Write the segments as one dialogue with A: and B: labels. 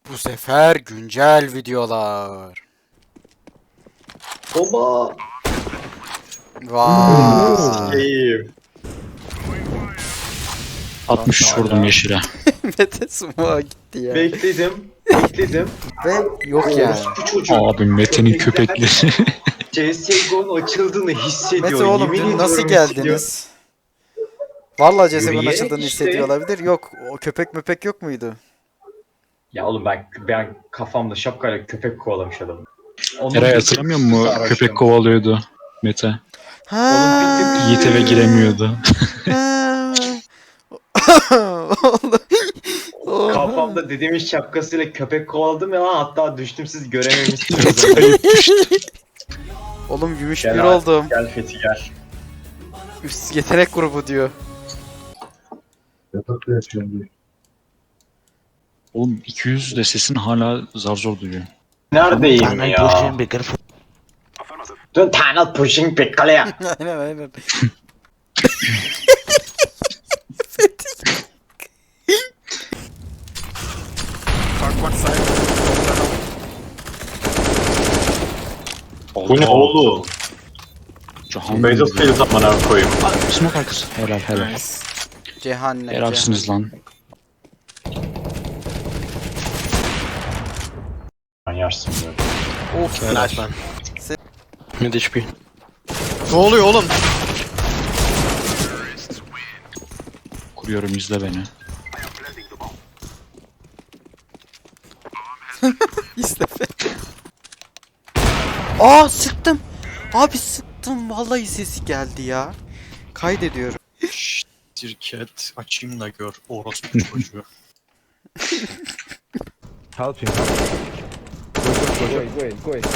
A: Bu sefer güncel videolar.
B: Baba.
A: Vay.
B: Keyif.
C: 63 vurdum yeşile.
A: Mete Sumo'a gitti ya.
B: Bekledim.
A: Ve yok yani.
B: Orospu çocuğu.
C: Abi Mete'nin köpekleri.
B: CSGO'nun açıldığını hissediyor.
A: Mete oğlum
B: Yemin
A: dün nasıl
B: ediyorum
A: geldiniz? Vallahi CSGO'nun
B: Yürüyerek
A: açıldığını
B: işte.
A: hissediyor olabilir. Yok, o köpek möpek yok muydu?
B: Ya oğlum ben kafamda şapkayla köpek kovalamış adamım.
C: Eray hatırlamıyor musun? Köpek kovalıyordu Mete.
A: Ha.
C: Yiğit eve giremiyordu.
A: Ha. Oğlum.
B: Kafamda dedemin şapkasıyla köpek kovaladım ya lan, hatta düştüm, siz görememişsiniz.
A: Oğlum gümüş
B: Gel
A: bir
B: abi,
A: oldum.
B: Gel Fethi gel.
A: Üst yetenek grubu diyor.
C: Oğlum 200 de sesin hala zar zor duyuyor.
B: Neredeyim
D: Tunnel
B: ya?
D: pushing, be careful.
B: Dön tunnel pushing bekle.
A: Aynen aynen.
B: Bu ne oğlum?
C: Cahan.
B: Battlefield amına koyayım.
C: Smoke arkası. Helal helal.
A: Cehennem.
C: Helalsiniz lan.
B: Manyarsın böyle.
A: Of.
D: Nice man. Mid HP.
A: Ne oluyor oğlum?
C: Kuruyorum izle beni.
A: İstefe. Aa sıktım. Abi sıktım. Vallahi sesi geldi ya. Kaydediyorum.
E: Şirket açayım da gör orospu çocuğu.
F: Helping. Go in.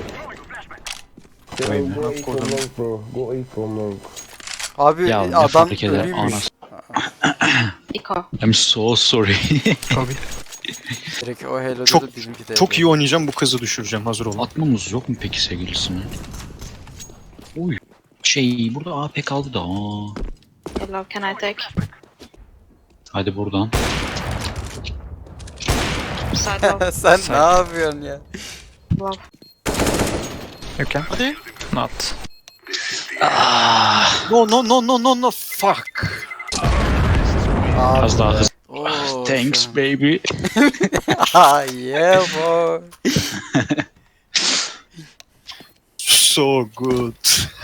C: Koyayım
F: Go in from long, bro. Go in from long.
A: Abi
C: Ya ne
A: adam
C: fark eder
A: ölüymüş.
C: anas.
G: Iko.
C: I'm so sorry.
A: Direkt o Halo'da
E: Çok-
A: da bizimki de.
E: Çok iyi oynayacağım, bu kızı düşüreceğim, hazır olun.
C: Atmamız yok mu peki sevgilisine? Oy. Burada AP kaldı da. Aa.
G: Hello, can I take?
C: Hadi buradan.
G: Side low.
A: Sen ne yapıyorsun ya?
G: Low.
E: Hadi.
D: Not.
E: No, fuck.
A: Abi.
C: Az daha hızlı.
A: Oo,
C: Thanks
A: şu an-
C: baby.
A: Ah yeah boy.
E: So good.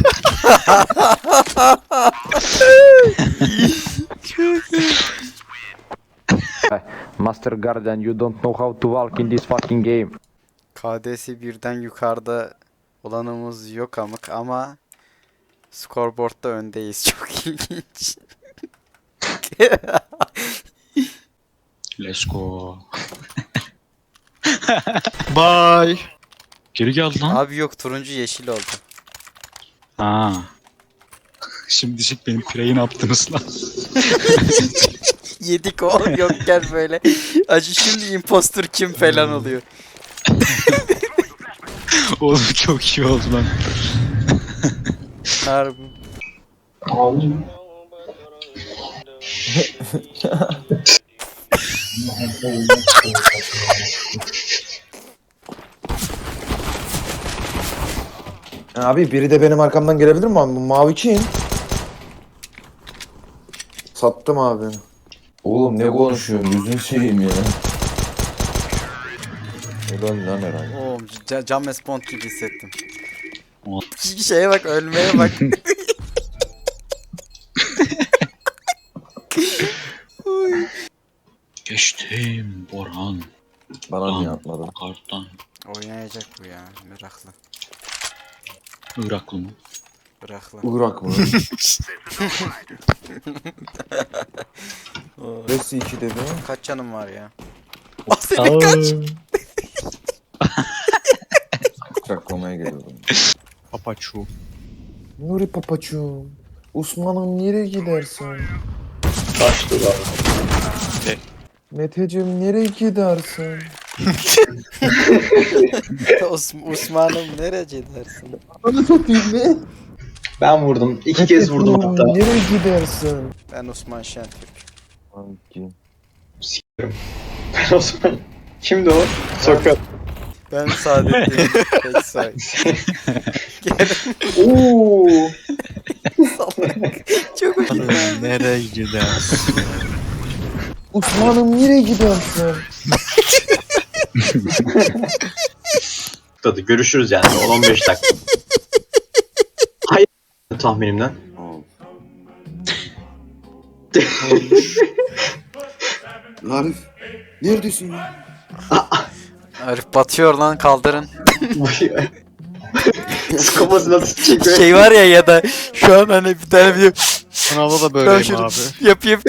F: Master Guardian, you don't know how to walk in this fucking game.
A: KD'si birden yukarıda olanımız yok amık ama scoreboard'da öndeyiz. Çok ilginç.
C: Let's go.
E: Bye.
C: Geri geldi lan.
A: Abi yok turuncu yeşil oldu.
C: Ha. Şimdi diyecek benim pireyi ne yaptınız lan?
A: Yedik o yokken böyle. Acı şimdi impostor kim falan oluyor.
C: Oğlum çok iyi oldu lan.
A: Harbi.
H: Abi biri de benim arkamdan gelebilir mi abi? Bu mavi kim? Sattım abi. Oğlum ne konuşuyorsun? Yüzünü seveyim ya. Helal lan herhalde.
A: Oğlum cam respond gibi hissettim.
C: O-
A: Şeye bak ölmeye bak.
C: Geçtim Orhan.
H: Bana niye atmadın?
C: Karttan.
A: Oynayacak bu ya meraklı.
C: Iraklı mı?
A: Meraklı.
H: Irak mı? Resi 2 dedi.
A: Kaç canım var ya? O senin kaç?
H: Çaklamaya geliyordum.
E: Papaçu.
H: Nuri papaçum. Osman'ım nereye gidersin?
B: Kaçtı lan.
H: Meteciğim nereye gidersin?
A: Osman'ım nerece dersin?
H: Bana satayım ne?
B: Ben vurdum. 2 kez vurdum
H: Meteciğim,
B: hatta.
H: nereye gidersin?
A: Ben Osman Şentürk.
H: Hangi?
B: Ben o zaman Kimdi o? Sokrat.
A: Ben Saadettin. Pek say.
B: Ooo.
A: Çok hoşuma.
E: Nereye gidersin?
H: Osman'ım nereye gidiyorsun?
B: Tadı görüşürüz yani 10-15 dakika. Hayır tahminimden.
H: Arif neredesin ya?
A: Arif batıyor lan, kaldırın.
B: Skopası nasıl çekiyor?
A: Şey var ya da şu an hani bir tane video
E: Sınavda da
A: Ben
E: böyleyim
A: şunu-
E: abi.
A: yapayım.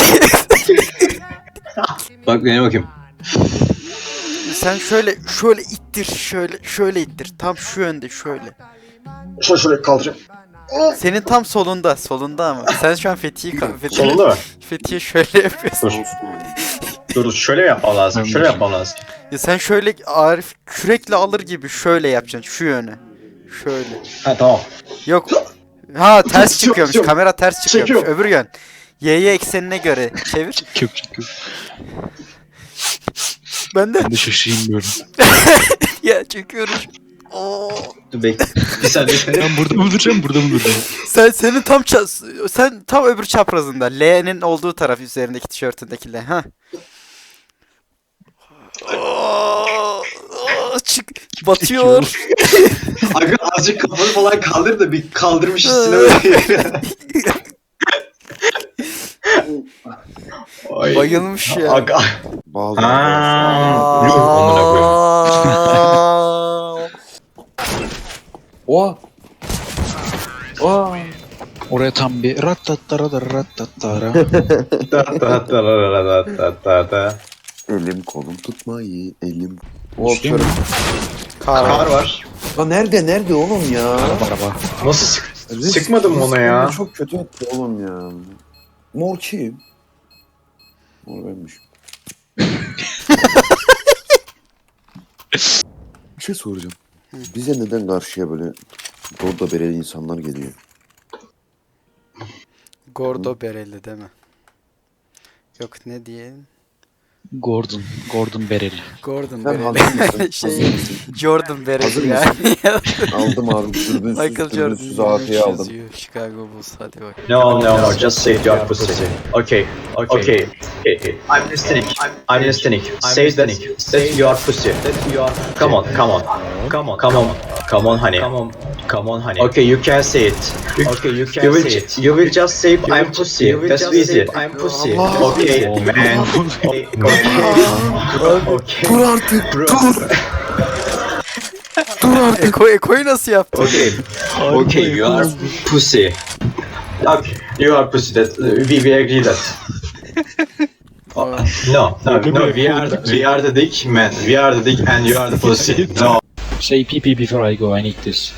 B: Bak neye bakayım.
A: Sen şöyle ittir, şöyle ittir. Tam şu yönde şöyle.
B: Şöyle kaldıracağım.
A: Senin tam solunda ama. Sen şu an
B: Solunda mı?
A: Fethiye şöyle yapıyorsun.
B: Dur şöyle mi yapmam lazım? Şöyle yapmam lazım.
A: Ya sen şöyle Arif kürekle alır gibi şöyle yapacaksın şu yöne. Şöyle.
B: Ha tamam.
A: Yok. Ha ters
B: Çok-
A: çıkıyormuş.
B: çok-
A: Kamera ters çıkıyormuş.
B: çekiyorum.
A: Öbür yön. Y'ye eksenine göre çevir.
C: Kök.
A: Ben de
C: Ben de şaşırayım böyle.
A: ya çekiyorum. Oo.
B: Dur bekle. Bir saniye.
C: Ben burada mı duracağım, burada mı duracağım?
A: Senin sen tam öbür çaprazında. L'nin olduğu taraf üzerindeki tişörtündeki L. Ha. Çık. Batıyor.
B: Aga azıcık kafanı falan kaldır da bir kaldırmış üstüne böyle. Ay.
A: Bayılmış ya.
B: Aga.
H: Bağlı.
B: Aa. Yuh amına koyayım.
H: Oha. Oha.
C: Oraya tam bir rattattara.
B: Da.
H: Elim kolum tutmayı. Elim.
C: Değil mi?
B: Kar var.
H: Lan nerede oğlum ya?
C: Araba.
B: Nasıl sıkmadım mı ona ya?
H: Çok kötü attı oğlum ya. Mor kim? Mor benmiş. Bir şey soracağım. Bize neden karşıya böyle bordo bereli insanlar geliyor?
A: Gordo bereli değil mi? Yok ne diyelim?
C: Gordon Bereli.
A: Gordon
H: Sen hazır mısın?
A: bereli.
H: Hazır
A: şey
H: mısın?
A: Jordan
H: Hazır
A: bereli ya.
H: Aldım abi.
A: Michael
H: Dürbünsüz
A: Jordan
H: AK'yi aldım.
A: yazıyor. Chicago Bulls hadi bak.
B: No, just say your pussy. Okay. I'm listening. Say that your pussy. Come on, honey. Okay, you can say it. You will just say I'm pussy. That's easy. I'm pussy. Okay, man. Okay.
H: Dur artık.
B: Bro.
A: Eko'yu nasıl yaptın?
B: Okay, you are pussy. Okay, you are pussy. That we agree that. No, we are the dick man. We are the dick and you are the pussy. No.
C: Say pee before I go, I need this.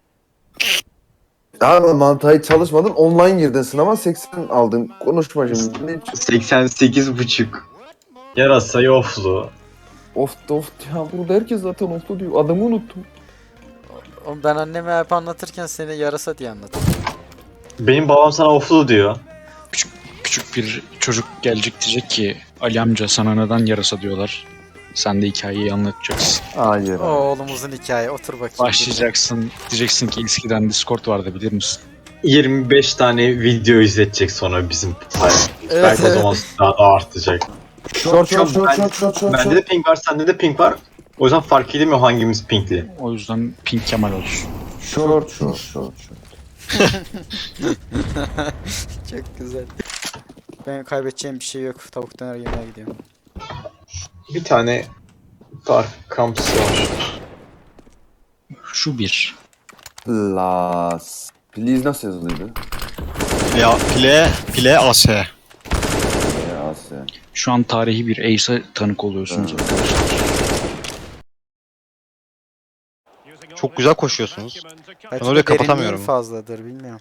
H: Abi mantığı çalışmadın. Online girdin sınava 80 aldın. Konuşma şimdi. Ne
B: 88,5. Yarasa yoflu.
H: Of ya burada herkes zaten oflu diyor. Adamı unuttum.
A: Oğlum ben anneme hep anlatırken seni yarasa diye anlatırım.
B: Benim babam sana oflu diyor.
C: Küçük bir çocuk gelecek diyecek ki Ali amca sana neden yarasa diyorlar. Sen de hikayeyi anlatacaksın.
H: Hayır.
A: O oğlumuzun hikaye, otur bakayım.
C: Başlayacaksın, diyeceksin ki eskiden Discord vardı bilir misin?
B: 25 tane video izletecek sonra bizim
A: Evet,
B: belki o zaman daha da artacak.
H: Short.
B: Bende de ping var, sende de ping var. O yüzden fark edemiyor hangimiz pingli.
C: O yüzden Pink Kemal olsun.
H: Short.
A: Çok güzel. Ben kaybedeceğim bir şey yok. Tavuk döner yemeye gidiyorum.
B: Bir tane Dark Camps var.
C: Şu bir.
H: Las. Please nasıl yazılıydı?
E: Ya pile AS.
H: Ya sen.
C: Şu an tarihi bir Ace'e tanık oluyorsunuz arkadaşlar.
E: Çok güzel koşuyorsunuz.
A: Belki
E: öyle
A: de
E: kapatamıyorum.
A: derinliğin fazladır bilmiyorum.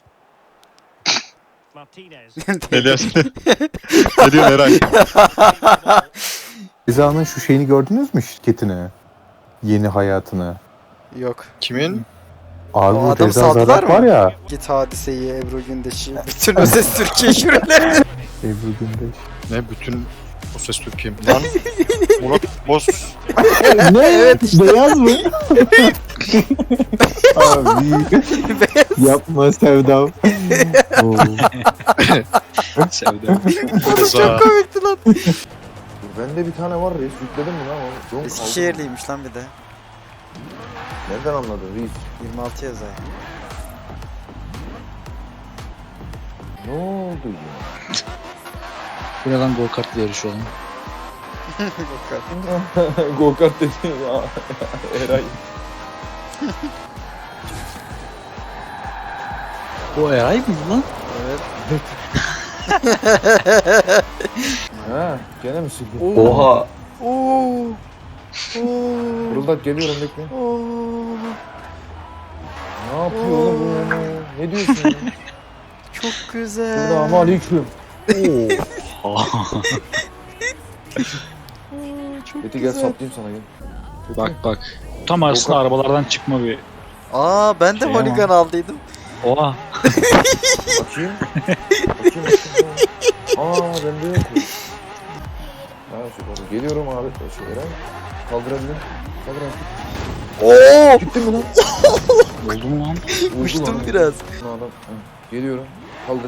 E: Ne diyorsun? Ne diyorsun Eray?
I: Ceza'nın şu şeyini gördünüz mü şirketini? Yeni hayatını.
A: Yok.
E: Kimin?
I: Abi
A: O
I: bu
A: adamı
I: Ceza
A: saldılar
I: Zarat
A: mı?
I: var ya.
A: Git Hadise'yi, Ebru Gündeş'i. Bütün o ses Türkiye şureleri.
I: Ebru Gündeş.
E: Ne bütün O ses Türkiye. Lan. Murat Boz.
I: Ne? Evet. Beyaz mı? Abi. Yapma Sevdam. Oo.
C: Sevdim.
E: Rıza.
A: Komikti lan.
H: Bende bir tane var reis. Yükledin mi lan onu? Yok,
A: Eskişehirliymiş lan bir de.
H: nereden anladın reis?
A: 26 yazar.
H: Ne oldu ya?
C: Bu ne lan go kartla yarışıyor lan.
H: Go kart dedi ya. Eray.
C: O Eray mı lan?
A: Evet.
H: Ha, gene mi sildin?
B: Oha.
A: Oo.
H: Fırıldak geliyorum bekle.
A: Oo.
H: Ne yapıyor oğlum bu? Ne diyorsun ya?
A: Çok güzel.
H: Selamun aleyküm.
A: Çok
H: Beti gel saplayayım sana gel. Kötü
C: Bak
H: mü?
C: bak. Tam arasında arabalardan çıkma bir.
A: Aa ben de
C: Şey
A: holigan aldıydım.
C: Oha.
H: Bakayım. Bakayım. Aa bende yok. Ha süper. Geliyorum abi. Şu Eren. Kaldırabilirim. Kaldır artık.
A: Oo!
H: Gittin mi lan?
C: Oldu mu lan?
H: Uydu
A: Uçtum
H: lan.
A: biraz.
H: Lan adam. Ha, geliyorum. Kaldır.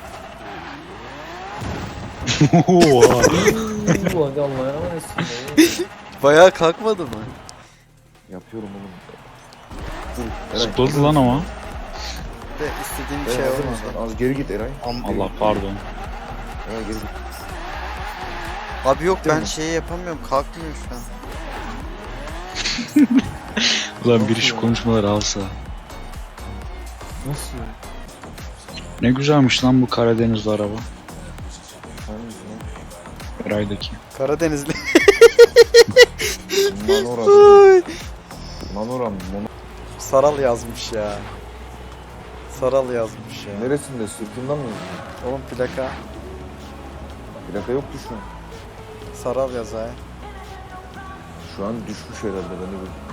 C: Oha.
H: Ulan hadi Allah'ına emanet.
A: Bayağı kalkmadı mı?
H: Yapıyorum oğlum. Dur.
C: Zıpladı lan ama.
A: De istediğim bir
H: Eren,
A: şey
H: hazır
A: olmadı.
H: mısın? Az geri git Eray.
C: Allah pardon.
H: Eray geri git.
A: Abi yok ben
H: mi?
A: şeyi yapamıyorum. Kalkmıyor şu an.
C: Ulan biri şu konuşmaları alsa.
H: Nasıl ya?
C: Ne güzelmiş lan bu Karadenizli araba.
H: Hangisi lan?
C: Eray'daki.
A: Karadenizli.
H: Manora.
A: Ay.
H: Manora mı?
A: Saral yazmış ya. Saral yazmış ya.
H: Neresinde? Sırtından mı yazıyor?
A: Oğlum plaka.
H: Plaka yoktu şu an.
A: Saral yazar.
H: Şu an düşmüş herhalde. Ben de bir